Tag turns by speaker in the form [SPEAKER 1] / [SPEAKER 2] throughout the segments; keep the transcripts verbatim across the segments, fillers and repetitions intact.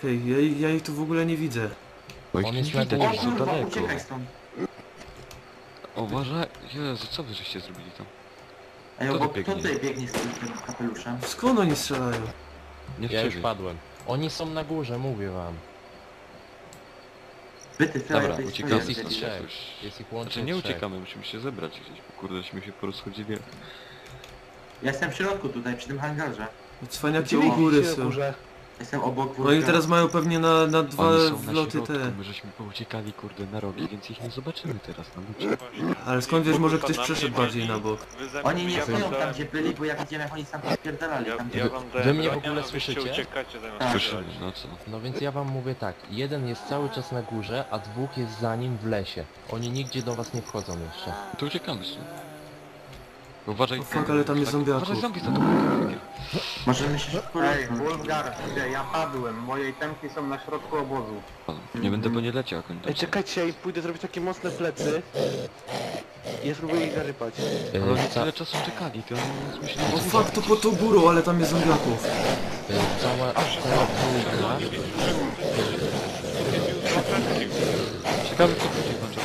[SPEAKER 1] Czekaj, ja, ja ich tu w ogóle nie widzę.
[SPEAKER 2] Bo ich
[SPEAKER 3] On
[SPEAKER 2] nie
[SPEAKER 3] jest na
[SPEAKER 2] widać,
[SPEAKER 3] górze.
[SPEAKER 2] że są
[SPEAKER 4] Kurwa,
[SPEAKER 2] daleko.
[SPEAKER 4] uciekaj stąd.
[SPEAKER 2] Uważaj, Jezu, co wy żeście zrobili tam?
[SPEAKER 4] Ej,
[SPEAKER 2] Kto tu
[SPEAKER 4] obok, kto
[SPEAKER 2] biegnie?
[SPEAKER 4] tutaj biegnie z tym kapeluszem?
[SPEAKER 1] Skąd oni strzelają?
[SPEAKER 2] Nie w
[SPEAKER 3] Ja już
[SPEAKER 2] ciebie.
[SPEAKER 3] padłem. Oni są na górze, mówię wam.
[SPEAKER 4] Wy ty frajer,
[SPEAKER 2] Dobra,
[SPEAKER 4] tej
[SPEAKER 2] uciekamy
[SPEAKER 4] swojej
[SPEAKER 2] stąd
[SPEAKER 4] debil.
[SPEAKER 3] trzech.
[SPEAKER 2] jakoś.
[SPEAKER 3] Jest ich
[SPEAKER 2] Znaczy
[SPEAKER 3] łącznie
[SPEAKER 2] nie
[SPEAKER 3] trzech.
[SPEAKER 2] uciekamy, musimy się zebrać gdzieś, bo kurdeśmy się porozchodzili.
[SPEAKER 4] Ja jestem w środku tutaj, przy tym hangarze.
[SPEAKER 1] Cwaniaki u góry są.
[SPEAKER 4] Jestem obok
[SPEAKER 1] Oni
[SPEAKER 4] wózka.
[SPEAKER 1] teraz mają pewnie na, na dwa
[SPEAKER 2] Oni są na
[SPEAKER 1] wloty
[SPEAKER 2] środku,
[SPEAKER 1] te.
[SPEAKER 2] my żeśmy pouciekali kurde na rogi, więc ich nie zobaczymy teraz na ludzie.
[SPEAKER 1] Ale skąd wiesz, może ktoś przeszedł bardziej na bok.
[SPEAKER 4] Oni nie stoją tam, gdzie byli, bo ja widziałem, jak oni tam spierdalali.
[SPEAKER 5] Ja,
[SPEAKER 4] Tam,
[SPEAKER 5] ja wam dałem
[SPEAKER 3] Wy mnie w
[SPEAKER 5] broń,
[SPEAKER 3] ogóle
[SPEAKER 5] a wyście
[SPEAKER 3] słyszycie?
[SPEAKER 5] uciekacie zamiast
[SPEAKER 4] Tak.
[SPEAKER 2] Słyszymy,
[SPEAKER 5] strzelać.
[SPEAKER 2] no co?
[SPEAKER 3] No więc ja wam mówię tak, jeden jest cały czas na górze, a dwóch jest za nim w lesie. Oni nigdzie do was nie wchodzą jeszcze.
[SPEAKER 2] To uciekamy stąd. Uważaj,
[SPEAKER 1] O fuck, ale tam jest zombiaków.
[SPEAKER 2] Uważaj, zombie za tobą.
[SPEAKER 4] możemy się szybko
[SPEAKER 6] Ej,
[SPEAKER 4] rozwinąć.
[SPEAKER 6] Wolfgar, ja padłem, moje itemki są na środku obozu.
[SPEAKER 2] Nie będę po nie leciał jak oni tam
[SPEAKER 7] Ej,
[SPEAKER 2] są.
[SPEAKER 7] czekajcie, ja pójdę zrobić takie mocne plecy. I ja spróbuję ich zarypać.
[SPEAKER 2] Ale
[SPEAKER 3] Yy,
[SPEAKER 2] oni
[SPEAKER 3] ca
[SPEAKER 2] tyle czasu czekali, to oni myśleli,
[SPEAKER 1] O
[SPEAKER 2] że...
[SPEAKER 1] fuck, to pod tą górą, ale tam jest zombiaków.
[SPEAKER 3] yy, cała, cała południa.
[SPEAKER 2] Ciekawe co chodzi wam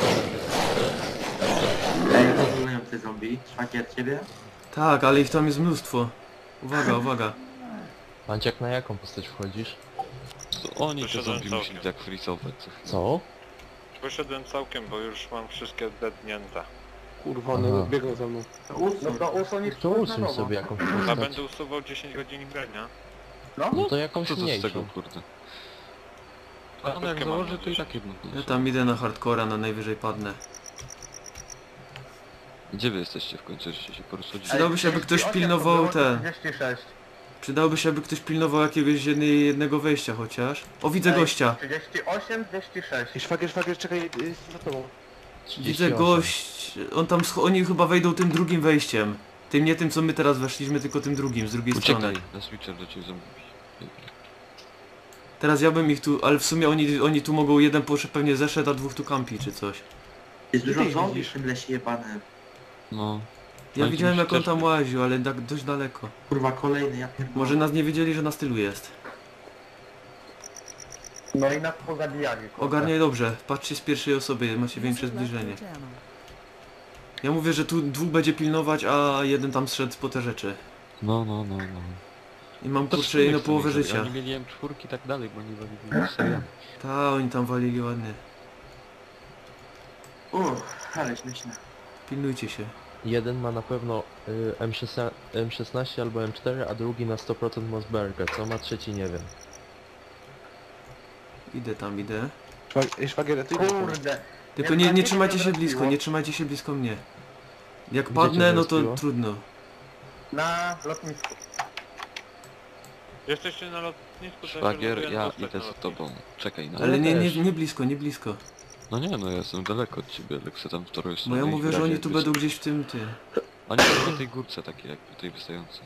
[SPEAKER 4] Ej, rozumieją te zombie. Szwagier ciebie?
[SPEAKER 1] Tak, ale ich tam jest mnóstwo. Uwaga, uwaga.
[SPEAKER 3] Panciak, na jaką postać wchodzisz?
[SPEAKER 2] Oni te
[SPEAKER 5] Wyszedłem
[SPEAKER 2] zombie
[SPEAKER 5] całkiem.
[SPEAKER 2] musieli tak frizować co chwilę.
[SPEAKER 3] Co?
[SPEAKER 5] Wyszedłem całkiem, bo już mam wszystkie dednięte.
[SPEAKER 7] Kurwa,
[SPEAKER 3] Aha.
[SPEAKER 7] one biegną za mną.
[SPEAKER 4] To
[SPEAKER 6] No
[SPEAKER 4] usuń.
[SPEAKER 6] to usuń ich
[SPEAKER 3] To
[SPEAKER 6] na
[SPEAKER 3] usuń
[SPEAKER 6] nowo.
[SPEAKER 3] sobie jakąś
[SPEAKER 5] A
[SPEAKER 3] postać.
[SPEAKER 5] będę usuwał dziesięć godzin grania.
[SPEAKER 3] No to jakąś
[SPEAKER 2] Co to z tego
[SPEAKER 3] mniejszą.
[SPEAKER 2] kurde?
[SPEAKER 5] A
[SPEAKER 2] A on jak
[SPEAKER 5] krótkie mam
[SPEAKER 2] założy to i tak jedno.
[SPEAKER 1] Ja tam idę na hardcora, na najwyżej padnę.
[SPEAKER 2] Gdzie wy jesteście w końcu, żeście się porozchodzili?
[SPEAKER 1] Przydałby się, aby ktoś pilnował ten.
[SPEAKER 6] trzydzieści sześć.
[SPEAKER 1] Przydałoby się, aby ktoś pilnował jakiegoś jednej, jednego wejścia chociaż. O, widzę gościa.
[SPEAKER 6] trzydzieści osiem, trzydzieści sześć.
[SPEAKER 7] Ej, szwagier, szwagier, czekaj, jest za tobą.
[SPEAKER 1] Widzę gość. On tam, scho- oni chyba wejdą tym drugim wejściem. Tym nie tym, co my teraz weszliśmy, tylko tym drugim, z drugiej strony.
[SPEAKER 2] Uciekaj, na switcher do ciebie zombie.
[SPEAKER 1] Teraz ja bym ich tu, ale w sumie oni, oni tu mogą, jeden poszedł pewnie zeszedł, a dwóch tu kampi czy coś.
[SPEAKER 4] Jest dużo
[SPEAKER 7] Ty
[SPEAKER 4] zombie
[SPEAKER 7] widzisz?
[SPEAKER 4] w tym lesie jebanym.
[SPEAKER 2] No.
[SPEAKER 1] Ja
[SPEAKER 2] Oni
[SPEAKER 1] widziałem
[SPEAKER 2] tu
[SPEAKER 1] jak on
[SPEAKER 2] też
[SPEAKER 1] tam
[SPEAKER 2] byli.
[SPEAKER 1] łaził, ale tak dość daleko.
[SPEAKER 4] Kurwa, kolejny, ja pierdolę.
[SPEAKER 1] Może nas nie wiedzieli, że nas tylu jest.
[SPEAKER 6] No i nas pozabijali. kurde.
[SPEAKER 1] Ogarniaj dobrze, patrzcie z pierwszej osoby, macie większe zbliżenie. Ja mówię, że tu dwóch będzie pilnować, a jeden tam zszedł po te rzeczy.
[SPEAKER 2] No, no, no, no.
[SPEAKER 1] I mam
[SPEAKER 2] To
[SPEAKER 1] kurczę
[SPEAKER 2] człowiek
[SPEAKER 1] jedną
[SPEAKER 2] sobie
[SPEAKER 1] połowę
[SPEAKER 2] zrobi.
[SPEAKER 1] życia.
[SPEAKER 2] Oni mieli M cztery i tak dalej, bo oni walili seriami.
[SPEAKER 1] Ta, oni tam walili ładnie.
[SPEAKER 4] Uff, ale śmieszne.
[SPEAKER 1] Pilnujcie się.
[SPEAKER 3] Jeden ma na pewno y, M szesnaście, M szesnaście albo M cztery, a drugi na sto procent Mossberga. Co ma trzeci, nie wiem.
[SPEAKER 1] Idę tam, idę.
[SPEAKER 7] Szwag- Ej, szwagier, a ty idziesz tam.
[SPEAKER 6] Kurde.
[SPEAKER 1] Tylko nie, nie trzymajcie się blisko, nie trzymajcie się blisko mnie. Jak
[SPEAKER 3] Gdzie
[SPEAKER 1] padnę,
[SPEAKER 3] cię
[SPEAKER 1] no to
[SPEAKER 3] zrespiło?
[SPEAKER 1] trudno.
[SPEAKER 6] Na lotnisku.
[SPEAKER 5] Jesteście na lotnisku, to się
[SPEAKER 2] Szwagier,
[SPEAKER 5] ląduję
[SPEAKER 2] ja
[SPEAKER 5] na dostać
[SPEAKER 2] idę
[SPEAKER 5] na
[SPEAKER 2] za
[SPEAKER 5] lotnisku.
[SPEAKER 2] tobą. Czekaj na
[SPEAKER 1] Ale
[SPEAKER 3] Ja
[SPEAKER 1] nie, nie,
[SPEAKER 3] też.
[SPEAKER 1] nie blisko, nie blisko.
[SPEAKER 2] No nie, no ja jestem daleko od ciebie, ale chcę tam w którąś
[SPEAKER 1] Bo
[SPEAKER 2] stronę
[SPEAKER 1] ja
[SPEAKER 2] i
[SPEAKER 1] mówię, że
[SPEAKER 2] razie
[SPEAKER 1] oni tu
[SPEAKER 2] jakby-
[SPEAKER 1] będą gdzieś w tym, ty.
[SPEAKER 2] Oni są na tej górce takiej jak tutaj wystające.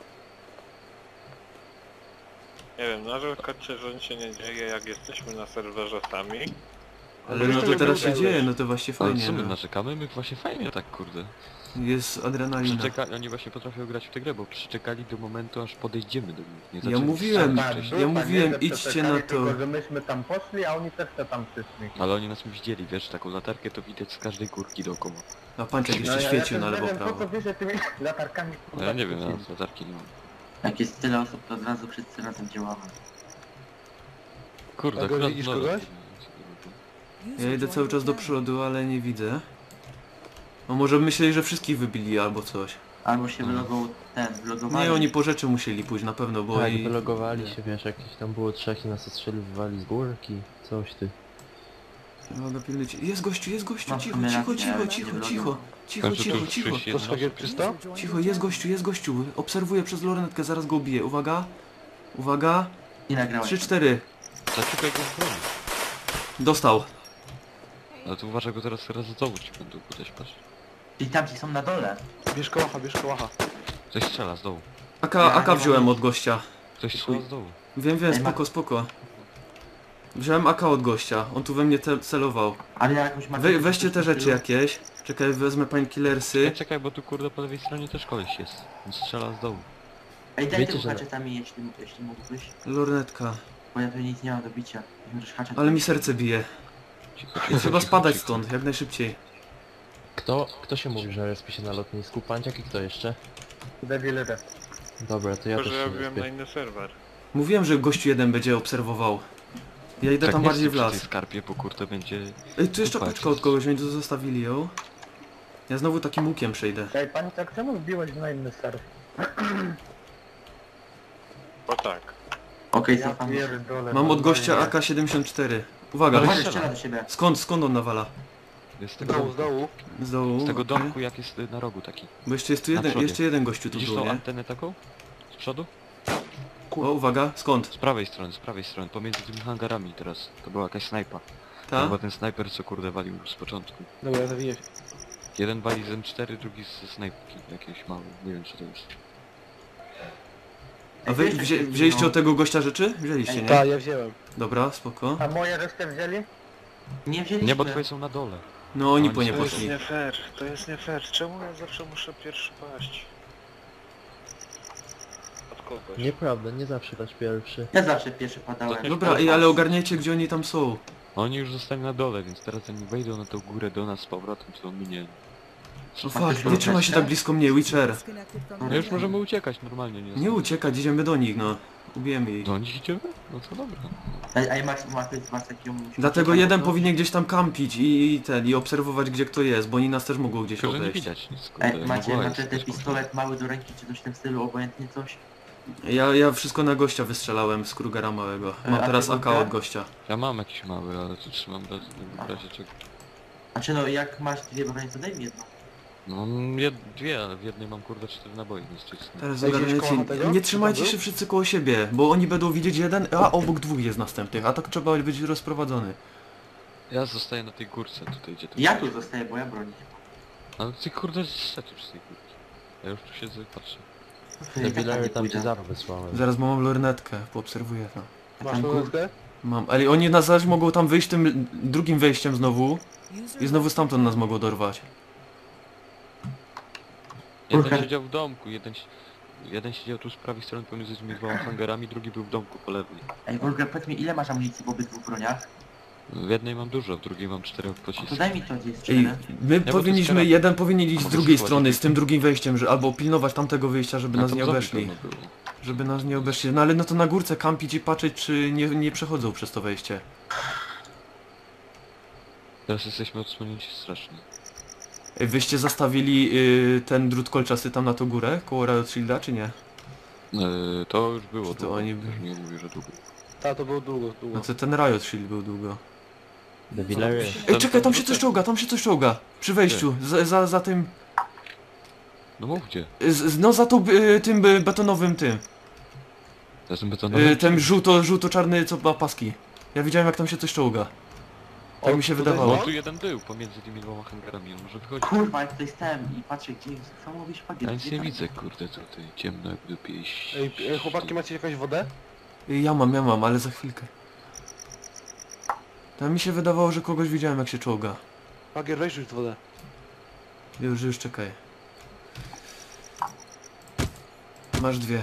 [SPEAKER 5] Nie wiem, narzekacie, że nic się nie dzieje, jak jesteśmy na serwerze sami.
[SPEAKER 1] Ale no to teraz się dzieje, no to właśnie
[SPEAKER 2] Ale
[SPEAKER 1] fajnie.
[SPEAKER 2] co my
[SPEAKER 1] No.
[SPEAKER 2] narzekamy? My właśnie fajnie tak kurde.
[SPEAKER 1] Jest adrenalina.
[SPEAKER 2] Przyczeka... Oni właśnie potrafią grać w tę grę, bo przyczekali do momentu aż podejdziemy do nich. Nie
[SPEAKER 1] Ja
[SPEAKER 2] zaczęli
[SPEAKER 1] mówiłem,
[SPEAKER 2] sami
[SPEAKER 6] Tak,
[SPEAKER 2] wcześniej.
[SPEAKER 1] ja
[SPEAKER 6] tak,
[SPEAKER 1] mówiłem,
[SPEAKER 6] nie, że
[SPEAKER 1] idźcie
[SPEAKER 6] przeczekali,
[SPEAKER 1] na to.
[SPEAKER 6] Tylko, że myśmy tam poszli, a oni też te tam przyszli.
[SPEAKER 2] Ale oni nas widzieli, wiesz, taką latarkę to widać z każdej górki dookoła.
[SPEAKER 1] A panciak jeszcze
[SPEAKER 6] ja-
[SPEAKER 1] świecił
[SPEAKER 6] ja
[SPEAKER 1] na
[SPEAKER 6] też
[SPEAKER 1] lewo
[SPEAKER 6] nie wiem,
[SPEAKER 1] prawo.
[SPEAKER 6] po co wy się tymi latarkami
[SPEAKER 2] No
[SPEAKER 6] kurwa,
[SPEAKER 2] ja nie wiem, ja
[SPEAKER 6] świecicie.
[SPEAKER 2] latarki nie mam.
[SPEAKER 4] Jak jest tyle osób, to od razu wszyscy razem działamy.
[SPEAKER 2] Kurde,
[SPEAKER 7] A
[SPEAKER 2] akurat
[SPEAKER 7] widzisz
[SPEAKER 2] no,
[SPEAKER 7] kogoś?
[SPEAKER 1] Ja idę cały czas do przodu, ale nie widzę. No może myśleli, że wszystkich wybili albo coś.
[SPEAKER 4] Albo się
[SPEAKER 2] Hmm.
[SPEAKER 4] wylogował ten, wylogowali.
[SPEAKER 1] Nie, oni po rzeczy musieli pójść na pewno, bo
[SPEAKER 3] Tak,
[SPEAKER 1] i...
[SPEAKER 3] wylogowali się, wiesz, jakieś tam było trzech i nas ostrzeliwali z górki, coś ty.
[SPEAKER 1] Mogę pilnujcie. Jest gościu, jest gościu,
[SPEAKER 4] No,
[SPEAKER 1] cicho,
[SPEAKER 4] w sumie
[SPEAKER 1] cicho,
[SPEAKER 4] racja,
[SPEAKER 1] cicho,
[SPEAKER 4] ale
[SPEAKER 1] cicho,
[SPEAKER 4] nie
[SPEAKER 1] cicho.
[SPEAKER 4] wylogował.
[SPEAKER 1] Cicho,
[SPEAKER 2] Także tu
[SPEAKER 1] cicho,
[SPEAKER 2] już
[SPEAKER 1] cicho.
[SPEAKER 2] przyjść
[SPEAKER 7] To
[SPEAKER 2] jedno
[SPEAKER 7] szwagier
[SPEAKER 2] osób.
[SPEAKER 7] czysto?
[SPEAKER 1] Cicho, jest gościu, jest gościu. Obserwuję przez lornetkę, zaraz go ubiję. Uwaga. Uwaga.
[SPEAKER 4] Nie nagrałeś.
[SPEAKER 1] trzy cztery.
[SPEAKER 2] Zaczekaj go w broni.
[SPEAKER 1] Dostał.
[SPEAKER 2] Ale tu uważaj, bo teraz raz z dołu ci będą kudać, patrz.
[SPEAKER 4] I tamci są na dole.
[SPEAKER 7] Bierz kołacha, bierz kołacha.
[SPEAKER 2] Ktoś strzela z dołu.
[SPEAKER 1] AK,
[SPEAKER 4] Ja
[SPEAKER 1] AK
[SPEAKER 4] nie
[SPEAKER 1] wziąłem
[SPEAKER 4] mam-
[SPEAKER 1] od gościa.
[SPEAKER 2] Ktoś strzela z dołu.
[SPEAKER 1] Wiem, wiem,
[SPEAKER 4] Ej, ma-
[SPEAKER 1] spoko, spoko. Wziąłem AK od gościa. On tu we mnie ce- celował.
[SPEAKER 4] Ale ja jakąś macie...
[SPEAKER 1] We, weźcie te rzeczy jakieś. Czekaj, wezmę painkillersy.
[SPEAKER 2] Ej, czekaj, bo tu kurde po lewej stronie też koleś jest. On strzela z dołu.
[SPEAKER 4] Ej, daj
[SPEAKER 3] Wiecie,
[SPEAKER 4] tym
[SPEAKER 3] że-
[SPEAKER 4] haczetami, jeśli, jeśli mógłbyś.
[SPEAKER 1] Lornetka.
[SPEAKER 4] Bo ja tu nic nie mam do bicia. Możesz haczać.
[SPEAKER 1] Ale mi serce bije.
[SPEAKER 2] Cicho,
[SPEAKER 1] Więc
[SPEAKER 2] cicho,
[SPEAKER 1] trzeba
[SPEAKER 2] cicho,
[SPEAKER 1] spadać
[SPEAKER 2] cicho.
[SPEAKER 1] stąd, jak najszybciej.
[SPEAKER 3] Kto, kto się mówi, że respi się na lotnisku? Panciak i kto jeszcze?
[SPEAKER 6] Devil
[SPEAKER 3] Dobra, to ja
[SPEAKER 5] Tylko,
[SPEAKER 3] też
[SPEAKER 5] że
[SPEAKER 3] się
[SPEAKER 5] ja byłem na
[SPEAKER 3] respię.
[SPEAKER 5] inny serwer.
[SPEAKER 1] Mówiłem, że gościu jeden będzie obserwował. Ja idę
[SPEAKER 2] Tak
[SPEAKER 1] tam
[SPEAKER 2] nie
[SPEAKER 1] bardziej w
[SPEAKER 2] stój przy tej
[SPEAKER 1] las.
[SPEAKER 2] skarpie, bo kurde będzie...
[SPEAKER 1] Ej, tu jeszcze
[SPEAKER 2] Chłopaki.
[SPEAKER 1] paczka od kogoś, więc tu zostawili ją. Ja znowu takim łukiem przejdę.
[SPEAKER 6] Ej, pani tak czemu wbiłeś na inny serw?
[SPEAKER 5] Bo tak.
[SPEAKER 4] Okej,
[SPEAKER 6] Ja
[SPEAKER 4] cofam.
[SPEAKER 6] pierdolę.
[SPEAKER 1] Mam od gościa
[SPEAKER 6] normalnie.
[SPEAKER 1] A K siedemdziesiąt cztery. Uwaga,
[SPEAKER 4] Uważaj, strzela do siebie.
[SPEAKER 1] skąd, skąd on nawala?
[SPEAKER 2] Z
[SPEAKER 7] Z
[SPEAKER 2] tego,
[SPEAKER 7] dołu, z dołu.
[SPEAKER 1] Z dołu,
[SPEAKER 2] z tego
[SPEAKER 1] okej.
[SPEAKER 2] domku jak jest y, na rogu taki.
[SPEAKER 1] Bo jeszcze jest tu
[SPEAKER 2] Na
[SPEAKER 1] jeden,
[SPEAKER 2] przodzie.
[SPEAKER 1] jeszcze jeden gościu tu
[SPEAKER 2] Widzisz
[SPEAKER 1] był,
[SPEAKER 2] tą
[SPEAKER 1] nie?
[SPEAKER 2] antenę taką? Z przodu?
[SPEAKER 1] O, uwaga, skąd?
[SPEAKER 2] Z prawej strony, z prawej strony, pomiędzy tymi hangarami teraz. To była jakaś snajpa. To
[SPEAKER 1] Ta?
[SPEAKER 2] chyba ten snajper co kurde walił z początku.
[SPEAKER 7] Dobra, zawiję się.
[SPEAKER 2] Jeden wali z M cztery, drugi ze snajpki jakiejś małej. Nie wiem co to jest.
[SPEAKER 1] A wy wzię, wzięliście od tego gościa rzeczy? Wzięliście, nie?
[SPEAKER 7] Tak, ja wziąłem.
[SPEAKER 1] Dobra, spoko.
[SPEAKER 6] A moje resztę wzięli?
[SPEAKER 4] Nie wzięliśmy.
[SPEAKER 2] Nie, bo twoje są na dole.
[SPEAKER 1] No oni
[SPEAKER 2] Oni
[SPEAKER 1] po nie
[SPEAKER 2] są-
[SPEAKER 5] To jest
[SPEAKER 1] poszli.
[SPEAKER 5] nie fair, to jest nie fair. Czemu ja zawsze muszę pierwszy paść? Od kogoś.
[SPEAKER 3] Nieprawda, nie zawsze dać pierwszy.
[SPEAKER 4] Ja zawsze pierwszy padałem.
[SPEAKER 1] Dobra, ej, ale ogarniajcie gdzie oni tam są.
[SPEAKER 2] Oni już zostali na dole, więc teraz oni wejdą na tą górę do nas z powrotem, to my nie.
[SPEAKER 1] No fuck, nie trzymaj się tak blisko mnie, Witcher.
[SPEAKER 2] No już możemy uciekać normalnie, nie
[SPEAKER 1] Nie uciekać, idziemy do nich, no. Ubijemy ich.
[SPEAKER 2] Do nich idziemy? No to dobra.
[SPEAKER 4] Ej, ej Max, Max, masz taką...
[SPEAKER 1] Dlatego jeden powinien gdzieś tam kampić i, i ten, i obserwować gdzie kto jest, bo oni nas też mogą gdzieś
[SPEAKER 2] Tylko, że nie
[SPEAKER 1] obejść.
[SPEAKER 2] widać nic, kurde.
[SPEAKER 4] Ej, macie,
[SPEAKER 2] mgła
[SPEAKER 4] macie
[SPEAKER 2] jest,
[SPEAKER 4] ten
[SPEAKER 2] jest, kurde.
[SPEAKER 4] pistolet mały do ręki, czy coś w tym stylu, obojętnie coś?
[SPEAKER 1] Ja, ja wszystko na gościa wystrzelałem z Krugera małego. Mam
[SPEAKER 4] A
[SPEAKER 1] teraz
[SPEAKER 4] ty
[SPEAKER 1] A K
[SPEAKER 4] Krugera?
[SPEAKER 1] od gościa.
[SPEAKER 2] Ja mam jakiś mały, ale tu trzymam raz, w razie czego.
[SPEAKER 4] Znaczy no, jak masz dwie bronie, to daj mi jedną.
[SPEAKER 2] No mam jed dwie, ale w jednej mam kurde cztery naboje, więc to jest...
[SPEAKER 1] Teraz
[SPEAKER 7] Ej, gdzieś koło
[SPEAKER 1] ogarniajcie,
[SPEAKER 7] tego?
[SPEAKER 1] nie
[SPEAKER 7] Czy
[SPEAKER 1] trzymajcie
[SPEAKER 7] tam
[SPEAKER 1] się
[SPEAKER 7] był?
[SPEAKER 1] wszyscy koło siebie, bo oni będą widzieć jeden, a obok dwóch jest następnych, a tak trzeba być rozprowadzony.
[SPEAKER 2] Ja zostaję na tej górce tutaj, gdzie to
[SPEAKER 4] Ja tu zostaję, bo ja broni nie mam.
[SPEAKER 2] Ale ty kurde zszedł z tej górki. Ja już tu siedzę i patrzę.
[SPEAKER 4] To ja i tak
[SPEAKER 3] Devillery
[SPEAKER 4] nie
[SPEAKER 3] tam cię
[SPEAKER 4] pójdę.
[SPEAKER 3] zaro wysłałem.
[SPEAKER 1] Zaraz bo mam lornetkę, poobserwuję to.
[SPEAKER 4] A
[SPEAKER 7] Masz
[SPEAKER 4] tam kur...
[SPEAKER 7] lornetkę?
[SPEAKER 1] Mam, ale oni nas zaś mogą tam wyjść tym drugim wejściem znowu i znowu stamtąd nas mogą dorwać.
[SPEAKER 2] Jeden
[SPEAKER 4] Kurka.
[SPEAKER 2] siedział w domku, jeden, si- jeden siedział tu z prawej strony pomiędzy tymi dwoma hangarami, drugi był w domku po lewej.
[SPEAKER 4] Ej, Wolga, powiedz mi, ile masz amunicji w obydwu broniach?
[SPEAKER 2] W jednej mam dużo, w drugiej mam cztery
[SPEAKER 4] A to
[SPEAKER 2] pociski.
[SPEAKER 4] daj mi to, gdzie jest
[SPEAKER 1] Ej,
[SPEAKER 4] strzelę.
[SPEAKER 1] my
[SPEAKER 2] bo to
[SPEAKER 1] powinniśmy,
[SPEAKER 2] strzelam.
[SPEAKER 1] jeden powinien iść z
[SPEAKER 2] Mogę
[SPEAKER 1] drugiej
[SPEAKER 2] spróbować.
[SPEAKER 1] strony, z tym drugim wejściem, że albo pilnować tamtego wyjścia, żeby
[SPEAKER 2] A
[SPEAKER 1] nas
[SPEAKER 2] tam
[SPEAKER 1] nie
[SPEAKER 2] zombie
[SPEAKER 1] obeszli.
[SPEAKER 2] pewno było.
[SPEAKER 1] Żeby nas nie obeszli. No ale no to na górce kampić i patrzeć, czy nie, nie przechodzą przez to wejście.
[SPEAKER 2] Teraz jesteśmy odsłonięci strasznie.
[SPEAKER 1] Ej, wyście zastawili y, ten drut kolczasty tam na tą górę, koło Riot Shielda, czy nie?
[SPEAKER 2] Yy, to już było,
[SPEAKER 1] Czy to
[SPEAKER 2] długo.
[SPEAKER 1] oni
[SPEAKER 2] Już
[SPEAKER 1] byli?
[SPEAKER 2] nie mówię, że długo.
[SPEAKER 7] Ta, to było długo,
[SPEAKER 1] No
[SPEAKER 7] długo.
[SPEAKER 1] to ten Riot Shield był długo.
[SPEAKER 3] Devillery.
[SPEAKER 1] Ej, czekaj, tam się coś czołga, tam się coś czołga. Przy wejściu, za, za, za tym,
[SPEAKER 2] No mówcie,
[SPEAKER 1] z, z- no za tą, y, tym y, betonowym tym.
[SPEAKER 2] to jest betonowy.
[SPEAKER 1] Y, ten żółto, żółto-czarny, co ma paski. Ja widziałem jak tam się coś czołga. Tak
[SPEAKER 7] O,
[SPEAKER 1] mi się
[SPEAKER 7] tutaj
[SPEAKER 1] wydawało.
[SPEAKER 2] No tu jeden był pomiędzy tymi dwoma hangarami, on może wychodzić.
[SPEAKER 4] Kurwa, jak tutaj stałem i patrzę, gdzie jest samowy szpagier.
[SPEAKER 2] Ja nic
[SPEAKER 4] gdzie
[SPEAKER 2] nie
[SPEAKER 4] tam?
[SPEAKER 2] widzę, kurde, tutaj ciemno jak w dupie i...
[SPEAKER 7] Ej, ej, chłopaki, macie jakąś wodę?
[SPEAKER 1] Y, Ja mam, ja mam, ale za chwilkę. Tam mi się wydawało, że kogoś widziałem jak się czołga.
[SPEAKER 7] Pagier, weź już wodę.
[SPEAKER 1] Już, już czekaj. Masz dwie.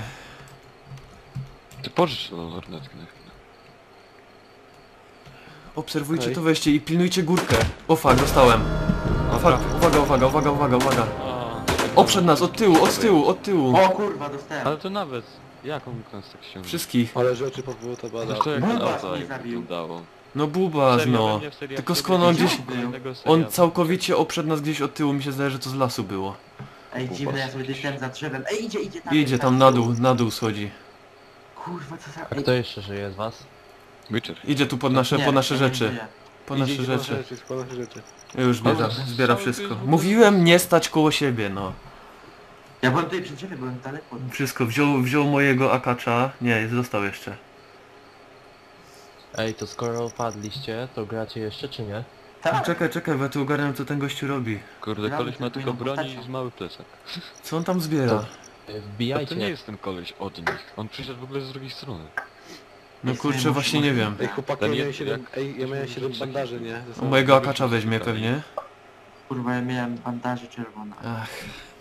[SPEAKER 2] Ty pożycz tą lornetkę na chwilę.
[SPEAKER 1] Obserwujcie
[SPEAKER 7] Okej.
[SPEAKER 1] to wejście i pilnujcie górkę. O fuck, dostałem. O fuck, uwaga, uwaga, uwaga, uwaga, uwaga.
[SPEAKER 2] A,
[SPEAKER 1] Oprzed nas, od tyłu, od tyłu, od tyłu.
[SPEAKER 4] O kurwa, dostałem.
[SPEAKER 2] ale to nawet, jak on mógł nas tak ściągnąć?
[SPEAKER 1] Wszystkich.
[SPEAKER 7] Ale rzeczy powyłtabada.
[SPEAKER 2] Zresztą jak
[SPEAKER 4] Bubas
[SPEAKER 2] auto
[SPEAKER 4] mnie
[SPEAKER 2] jak
[SPEAKER 4] zabił.
[SPEAKER 2] wyglądało.
[SPEAKER 1] No bubas,
[SPEAKER 2] Seria
[SPEAKER 1] no.
[SPEAKER 2] będzie w seriach
[SPEAKER 1] Tylko
[SPEAKER 2] serii
[SPEAKER 1] skąd on
[SPEAKER 2] będzie
[SPEAKER 1] gdzieś...
[SPEAKER 2] kolejnego
[SPEAKER 1] On
[SPEAKER 2] serialu.
[SPEAKER 1] całkowicie oprzed nas gdzieś od tyłu, mi się zdaje, że to z lasu było.
[SPEAKER 4] Ej, dziwne, ja sobie gdzieś stałem za drzewem. Ej, idzie, idzie tam.
[SPEAKER 1] Idzie tam na dół, na dół schodzi.
[SPEAKER 4] Kurwa, co za...
[SPEAKER 3] A kto jeszcze żyje z was?
[SPEAKER 2] Witcher.
[SPEAKER 1] Idzie tu pod nasze,
[SPEAKER 4] Nie,
[SPEAKER 1] po nasze
[SPEAKER 4] ja nie
[SPEAKER 1] rzeczy.
[SPEAKER 4] żyję.
[SPEAKER 1] Po
[SPEAKER 7] Idzie,
[SPEAKER 1] nasze
[SPEAKER 7] idzie po nasze
[SPEAKER 1] rzeczy.
[SPEAKER 7] rzeczy, po nasze rzeczy.
[SPEAKER 1] Już zbiera,
[SPEAKER 2] Ale
[SPEAKER 1] zbiera
[SPEAKER 2] cały
[SPEAKER 1] wszystko.
[SPEAKER 2] tydzień
[SPEAKER 1] Mówiłem nie stać koło siebie, no.
[SPEAKER 4] Ja byłem tutaj przy drzewie, byłem daleko.
[SPEAKER 1] Wszystko, wziął, wziął mojego akacza. Nie, został jeszcze.
[SPEAKER 3] Ej, to skoro padliście, to gracie jeszcze czy nie?
[SPEAKER 4] Tak.
[SPEAKER 1] Czekaj, czekaj, bo ja tu ogarniam co ten gościu robi.
[SPEAKER 2] Kurde,
[SPEAKER 4] Gramy
[SPEAKER 2] koleś ma
[SPEAKER 4] tylko
[SPEAKER 2] tylko
[SPEAKER 4] jedną
[SPEAKER 2] broni
[SPEAKER 4] postacią.
[SPEAKER 2] i z mały plecak.
[SPEAKER 1] Co on tam zbiera?
[SPEAKER 3] To-
[SPEAKER 2] A
[SPEAKER 3] Wbijajcie.
[SPEAKER 2] to nie jest ten koleś od nich. On przyszedł w ogóle z drugiej strony.
[SPEAKER 1] No kurczę, właśnie nie wiem.
[SPEAKER 7] Ej, chłopaki,
[SPEAKER 2] Ten
[SPEAKER 7] ja miałem
[SPEAKER 2] jest-
[SPEAKER 7] siedem,
[SPEAKER 2] jak-
[SPEAKER 7] ej, ja miałem siedem bandaży, nie? Ze
[SPEAKER 1] O
[SPEAKER 7] sobą.
[SPEAKER 1] mojego akacza weźmie pewnie.
[SPEAKER 4] Kurwa, ja miałem bandaże czerwone.
[SPEAKER 1] Ach,